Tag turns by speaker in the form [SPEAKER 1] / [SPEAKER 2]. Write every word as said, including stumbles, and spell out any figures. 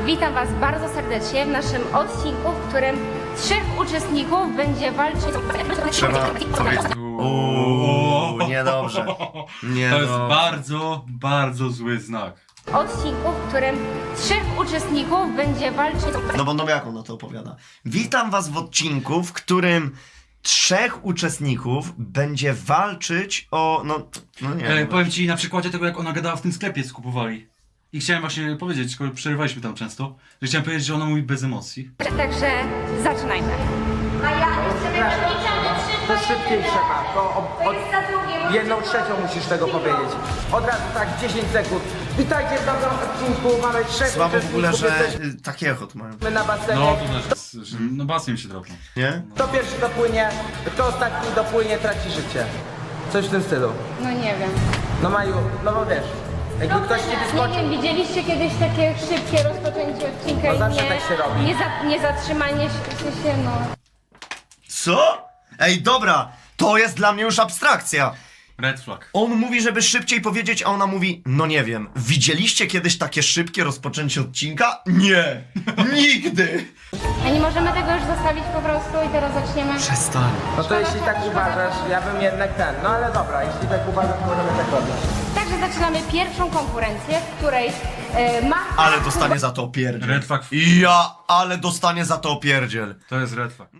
[SPEAKER 1] Witam Was bardzo serdecznie w naszym odcinku, w którym trzech uczestników będzie walczyć...
[SPEAKER 2] Trzeba powiedzieć. Uuu, niedobrze. Nie
[SPEAKER 3] To jest
[SPEAKER 2] dobrze.
[SPEAKER 3] bardzo, bardzo zły znak.
[SPEAKER 1] Odcinku, w którym trzech uczestników będzie walczyć...
[SPEAKER 2] No bo Nowiaku na to opowiada. Witam was w odcinku, w którym trzech uczestników będzie walczyć o... no... no nie
[SPEAKER 3] E,
[SPEAKER 2] wiem.
[SPEAKER 3] powiem ci na przykładzie tego, jak ona gadała w tym sklepie, co kupowali. I chciałem właśnie powiedzieć, skoro przerywaliśmy tam często, że chciałem powiedzieć, że ona mówi bez emocji.
[SPEAKER 1] Także zaczynajmy.
[SPEAKER 4] To szybciej trzeba, to od, od jedną trzecią musisz tego powiedzieć. Od razu tak, dziesięć sekund. Witajcie w nowym odcinku, mamy trzech
[SPEAKER 2] Słabo w ogóle, że
[SPEAKER 4] jesteśmy
[SPEAKER 2] y, taki echot mają.
[SPEAKER 4] na basenie.
[SPEAKER 3] No to też jest, że, no basen się dropnął.
[SPEAKER 2] Nie?
[SPEAKER 4] Kto pierwszy dopłynie, kto ostatni dopłynie, traci życie. Coś w tym stylu.
[SPEAKER 1] No nie wiem.
[SPEAKER 4] No Maju, no bo wiesz, jakby ktoś ci
[SPEAKER 1] Nie
[SPEAKER 4] wyskoczył,
[SPEAKER 1] wiem, widzieliście kiedyś takie szybkie rozpoczęcie odcinka
[SPEAKER 4] No
[SPEAKER 1] i
[SPEAKER 4] zawsze
[SPEAKER 1] nie,
[SPEAKER 4] tak się robi.
[SPEAKER 1] nie, za, nie zatrzymanie się, w sensie, no...
[SPEAKER 2] Co? Ej, dobra, to jest dla mnie już abstrakcja.
[SPEAKER 3] Red flag.
[SPEAKER 2] On mówi, żeby szybciej powiedzieć, a ona mówi, no nie wiem, widzieliście kiedyś takie szybkie rozpoczęcie odcinka? Nie, nigdy.
[SPEAKER 1] A nie możemy tego już zostawić po prostu i teraz zaczniemy...
[SPEAKER 2] Przestań.
[SPEAKER 4] no to jeśli tak uważasz, ja bym jednak ten, no ale dobra, jeśli tak uważasz, to możemy tak robić.
[SPEAKER 1] Także zaczynamy pierwszą konkurencję, w której e, ma...
[SPEAKER 2] Ale dostanie za to opierdziel.
[SPEAKER 3] Red flag.
[SPEAKER 2] Ja, ale dostanie za to opierdziel.
[SPEAKER 3] To jest red flag.